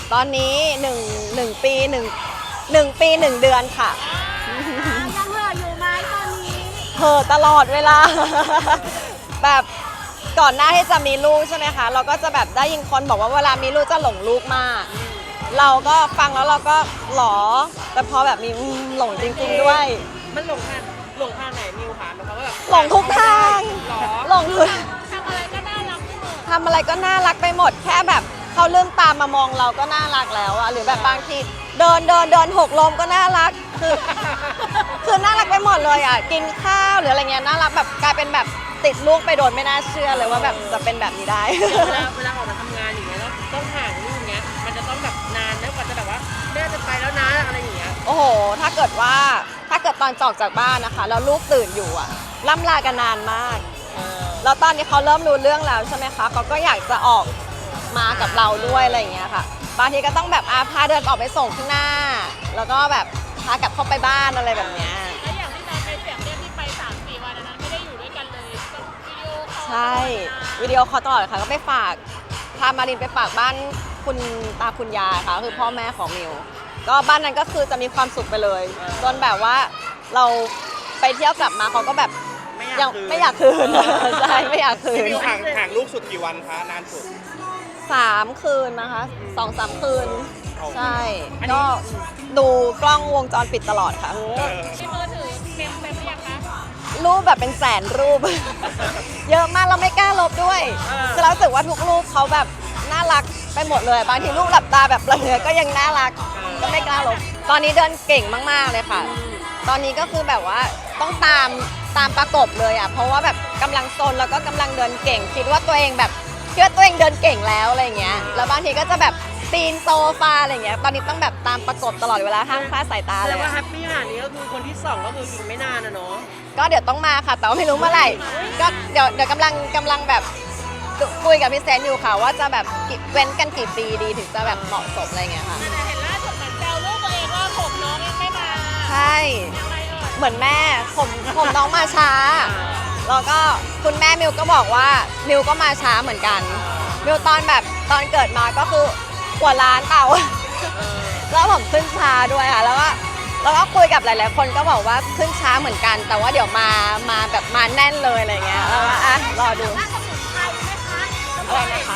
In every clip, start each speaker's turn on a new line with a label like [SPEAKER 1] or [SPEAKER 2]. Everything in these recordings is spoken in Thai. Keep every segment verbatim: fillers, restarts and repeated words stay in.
[SPEAKER 1] ตอนนี้หนึ่งหนึ่งปีหนึ่งหนึ่งปีหนึ่งเดือนค่ะ
[SPEAKER 2] ยังเหลืออยู่ไหมตอนนี้
[SPEAKER 1] เห่อตลอดเวลา แบบก่อนหน้าที่จะมีลูกใช่ไหมคะเราก็จะแบบได้ยินคนบอกว่าเวลามีลูกจะหลงลูกมาก เราก็ฟังแล้วเราก็หลอแต่พอแบบมีหลงจริงๆด้วย
[SPEAKER 3] มันหลงทางหลงทางไหนนิวคะหมายความว่าแบบ
[SPEAKER 1] หลงทุกทางหลงทุก
[SPEAKER 2] ทำอะไรก็น่ารัก
[SPEAKER 1] ทำอะไรก็น่ารักไปหมดแค่แบบเขาเลื่อนตามมามองเราก็น่ารักแล้วอะหรือแบบบางทีเดินเดินเดินหกล้มก็น่ารักคือคือน่ารักไปหมดเลยอะกินข้าวหรืออะไรเงี้ยน่ารักแบบกลายเป็นแบบติดลูกไปโดนไม่น่าเชื่อเลยว่าแบบจะเป็นแบบนี้ได้
[SPEAKER 3] เวลาเวลาออกมาทำงานอย่างเงี้ยแล้วต้องห่างลูกเงี้ยมันจะต้องแบบนานแล้วกว่าจะแบบว่าแม่จะไปแล้วนะอะไรอย่างเงี้ย
[SPEAKER 1] โอ้โหถ้าเกิดว่าถ้าเกิดตอนจอกจากบ้านนะคะแล้วลูกตื่นอยู่อะล่ำลากันนานมากแล้วตอนนี้เขาเริ่มรู้เรื่องแล้วใช่ไหมคะเขาก็อยากจะออกมากับเราด้วยอะไรอย่างเงี้ยค่ะบางทีก็ต้องแบบอาพาเดินออกไปส่งข้างหน้าแล้วก็แบบพากลับเข้าไปบ้านอะไรแบบเนี้ย
[SPEAKER 2] แล้วอย่างที่เราไปเสียงเรียกที่ไปสามสี่วันนั้นไม่ได้อยู่ด้วยกันเลยต้องวิดีโอคอล
[SPEAKER 1] ใช่วิดีโอคอลตลอดค่ะก็ไปฝากพามารินไปฝากบ้านคุณตาคุณยายค่ะคือพ่อแม่ของมิวก็บ้านนั้นก็คือจะมีความสุขไปเลยจนแบบว่าเราไปเที่ยวกลับมาเขาก็แบบยังไม่อยากคืนใช่ไม่อยากคืน
[SPEAKER 4] มิวห่างห่างลูกสุดกี่วันคะนานสุด
[SPEAKER 1] สามคืนนะคะสองสามคืนใช่ก็ดูกล้องวงจรปิดตลอดค่ะ
[SPEAKER 2] ที่มือถือเต็มเต็มหรือยังคะ
[SPEAKER 1] รูปแบบเป็นแสนรูป เยอะมากเราไม่กล้าลบด้วยคือเราสึกว่าทุกรูปเขาแบบน่ารักไปหมดเลยบางทีลูกหลับตาแบบเลือก็ยังน่ารักก็ไม่กล้าลบตอนนี้เดินเก่งมากๆเลยค่ะตอนนี้ก็คือแบบว่าต้องตามตามประกบเลยอ่ะเพราะว่าแบบกำลังโซนแล้วก็กำลังเดินเก่งคิดว่าตัวเองแบบคิดว่าตัวเองเดินเก่งแล้วอะไรเงี้ยแล้วบางทีก็จะแบบปีนโซฟาอะไรเงี้ยตอนนี้ต้องแบบตามประกบตลอดเวลาห้ามคลาดสายตาเลย
[SPEAKER 3] แต่ว่าแฮปปี้ขนาดนี้ก็คือคนที่สองก็คืออีกไม่นานนะเนาะ
[SPEAKER 1] ก็เดี๋ยวต้องมาค่ะแต่ว่าไม่รู้เมื่อไหร่ก็เดี๋ยวเดี๋ยวกำลังกำลังแบบคุยกับพี่แซนอยู่ค่ะว่าจะแบบเว้นกันกี่ปีดีถึงจะแบบเหมาะสมอะไรเงี้ยค่ะ
[SPEAKER 2] แต่เห็นล่าสุดเหมือนแซวลูกตัวเองว่าผมน้องยังไม่มา
[SPEAKER 1] ใช่เหมือนแม่ผมผมน้องมาช้าแล้วก็คุณแม่มิวก็บอกว่ามิวก็มาช้าเหมือนกันมิวตอนแบบตอนเกิดมาก็คือกว่าล้านเต่าแล้วผมขึ้นช้าด้วยค่ะแล้วก็แล้วก็คุยกับหลายๆคนก็บอกว่าขึ้นช้าเหมือนกันแต่ว่าเดี๋ยวมามาแบบมาแน่นเลยอะไรเงี้ยแล้วก็อ่ะรอดูอะไรนะคะ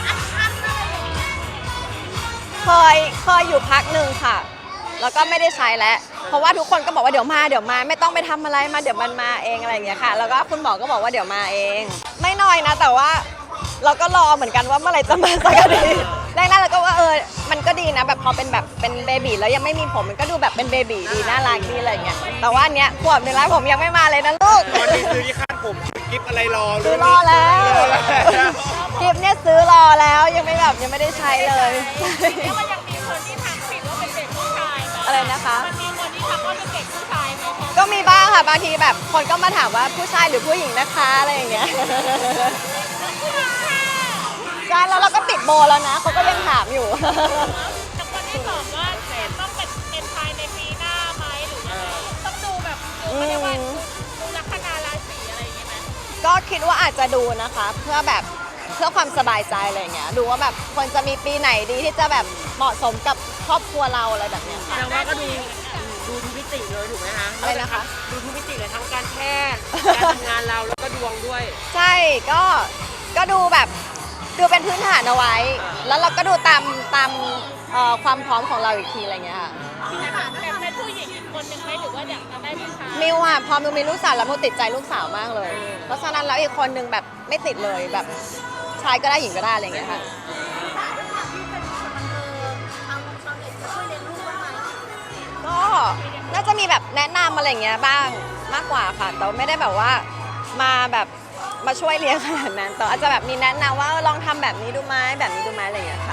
[SPEAKER 1] เคยเคยอยู่พักหนึ่งค่ะแล้วก็ไม่ได้ใช้แล้วเพราะว่าทุกคนก็บอกว่าเดี๋ยวมาเดี๋ยวมาไม่ต้องไปทำอะไรมาเดี๋ยวมันมาเองอะไรอย่างเงี้ยค่ะแล้วก็คุณหมอก็บอกว่าเดี๋ยวมาเองไม่น้อยนะแต่ว่าเราก็รอเหมือนกันว่าเมื่อไหร่จะมาสักทีแรกๆเราก็ว่าเออมันก็ดีนะแบบพอเป็นแบบเป็นเบบีแล้วยังไม่มีผมมันก็ดูแบบเป็นเบบีดีน่ารักดีอะไรอย่างเงี้ยแต่ว่าอันเนี้ยขวบหนึ่งแล้วผมยังไม่มาเลยนะลูก
[SPEAKER 4] ตอนนี้ซื้อที่คาดผมกิฟอะไรรอ
[SPEAKER 1] ซื้อรอแล้วกิฟเนี่ยซื้อรอแล้วยังไม่แบบยังไม่ได้ใช้เลย
[SPEAKER 2] แล้วมันยังมีคนที่ทักผิดว่าเป็นเด็กผู้ชาย
[SPEAKER 1] อะไรนะคะ
[SPEAKER 2] มันมีคนที่ทักว่าเป็นเด็กผู้ชายไหม
[SPEAKER 1] ก็มีบ้างค่ะบางทีแบบคนก็มาถามว่าผู้ชายหรือผู้หญิงนะคะอะไรอย่างเงี้ยใช่แล้วเราก็ติดโบแล้วนะเขาก็ยังถามอยู่
[SPEAKER 2] แต่คนที่บอกว่าต้องเป็นเป็นภายในปีหน้าไหมหรือยังไงต้องดูแบบดูไม่ได้ว่าดูลัคนาราศีอะไรอย่างเงี้ยไหม
[SPEAKER 1] ก็คิดว่าอาจจะดูนะคะเพื่อแบบเพื่อความสบายใจอะไรเงี้ยดูว่าแบบควรจะมีปีไหนดีที่จะแบบเหมาะสมกับครอบครัวเราอะไรแบบเนี้ย
[SPEAKER 3] แต่ว่าก็ดูดูทุกมิติเลยถูกไหมคะ
[SPEAKER 1] อะไรนะคะ
[SPEAKER 3] ดูทุกมิติเลยทั้งการแพทย์การทำงานเราแล้วก็ดวงด้วย
[SPEAKER 1] ใช่ก็ก็ดูแบบดูเป็นพื้นฐานเอาไว้แล้วเราก็ดูตามตามความพร้อมของเราอีกทีอะไรเงี้ยค่ะ
[SPEAKER 2] แบบเป็นผู้หญิงอีกคนนึงไหมหรือว่าอยากจะได้ผู้ชาย
[SPEAKER 1] มิวอ่ะพอมิวมีลูกสาวแล้วมิวติดใจลูกสาวมากเลยเพราะฉะนั้นแล้วอีกคนนึงแบบไม่ติดเลยแบบชายก็ได้หญิงก็ได้อะไรเงี้ยค่ะก็น่าจะมีแบบแนะนำอะไรเงี้ยบ้างมากกว่าค่ะแต่ไม่ได้แบบว่ามาแบบมาช่วยเลี้ยงขนาดนั้นแต่อาจจะแบบมีแนะนำว่าลองทำแบบนี้ดูไหมแบบนี้ดูไหมอะไรอย่างเงี้ยค่ะ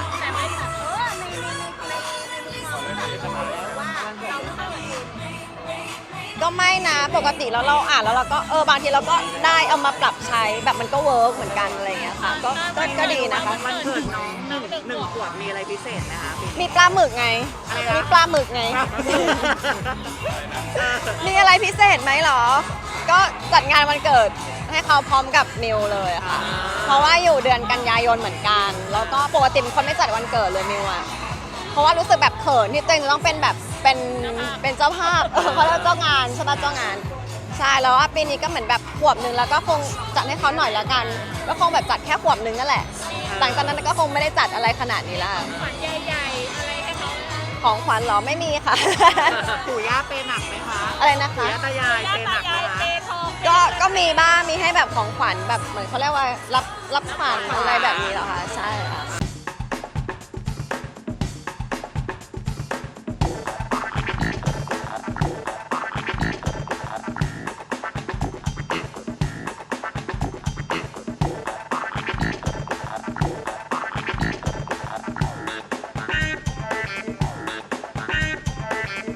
[SPEAKER 1] ก็ไม่นะปกติแล้วเราอ่านแล้วเราก็เออบางทีเราก็ได้เอามาปรับใช้แบบมันก็เวิร์กเหมือนกันอะไรอย่างเงี้ยค่ะก็ก็ดีนะคะ
[SPEAKER 3] มันเกิดน้องหนึ่งหนึ่งขวบมีอะไรพิเศษไหมคะ
[SPEAKER 1] มีปลาหมึกไงมีปลาหมึกไงมีอะไรพิเศษไหมหรอก็จัดงานวันเกิดให้เขาพร้อมกับมิวเลยค่ะ เพราะว่าอยู่เดือนกันยายนเหมือนกันแล้วก็ปกติเป็นคนไม่จัดวันเกิดเลยมิวอ่ะราะว่ารู้สึกแบบเขินที่ตัวเองจะต้องเป็นแบบเป็นเป็นเจ้าภาพเออเขาเรียกว่าเจ้างานใช่ปะเจ้างานใช่แล้วว่าปีนี้ก็เหมือนแบบขวบหนึ่งแล้วก็คงจัดให้เขาหน่อยแล้วกันก็คงแบบจัดแค่ขวบหนึ่งนั่นแหละหลังจากนั้นก็คงไม่ได้จัดอะไรขนาดนี้ละ
[SPEAKER 2] ขวัญใหญ่ๆอะไรให้เขา
[SPEAKER 1] ของขวัญเหรอไม่มีค่ะ
[SPEAKER 3] ปู่ย่าเปย์หนักไหมคะ
[SPEAKER 1] อะไรนะคะ
[SPEAKER 3] ปู่ย่าตายาย
[SPEAKER 2] ย่า
[SPEAKER 3] เปย์ห
[SPEAKER 2] ตา
[SPEAKER 3] นักไหม
[SPEAKER 2] ยาย
[SPEAKER 3] คะ
[SPEAKER 2] เปทอง
[SPEAKER 1] ก็ก็มีบ้างมีให้แบบของขวัญแบบเหมือนเขาเรียกว่ารับรับขวัญอะไรแบบนี้เหรอคะใช่ค่ะ